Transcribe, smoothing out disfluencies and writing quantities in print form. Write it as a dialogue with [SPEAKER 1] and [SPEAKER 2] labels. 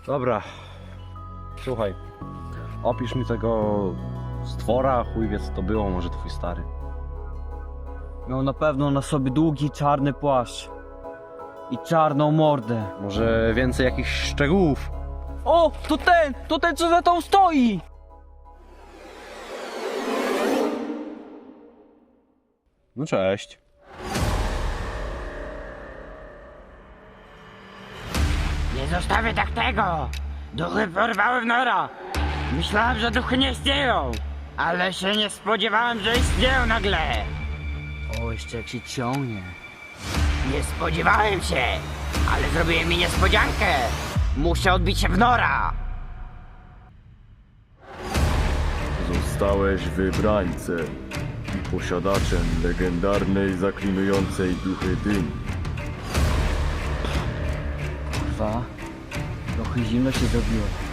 [SPEAKER 1] Dobra, słuchaj, opisz mi tego stwora, chuj wie co to było, może twój stary.
[SPEAKER 2] Miał na pewno na sobie długi, czarny płaszcz i czarną mordę.
[SPEAKER 1] Może więcej jakichś szczegółów?
[SPEAKER 2] O, to ten co za tą stoi!
[SPEAKER 1] No cześć.
[SPEAKER 3] Nie zostawię tak tego! Duchy porwały w nora! Myślałem, że duchy nie istnieją! Ale się nie spodziewałem, że istnieją nagle!
[SPEAKER 2] O, jeszcze jak się ciągnie.
[SPEAKER 3] Nie spodziewałem się! Ale zrobiłem mi niespodziankę! Muszę odbić się w nora!
[SPEAKER 4] Zostałeś wybrańcem i posiadaczem legendarnej, zaklinującej duchy dyni.
[SPEAKER 2] Kurwa, trochę zimno się zrobiło.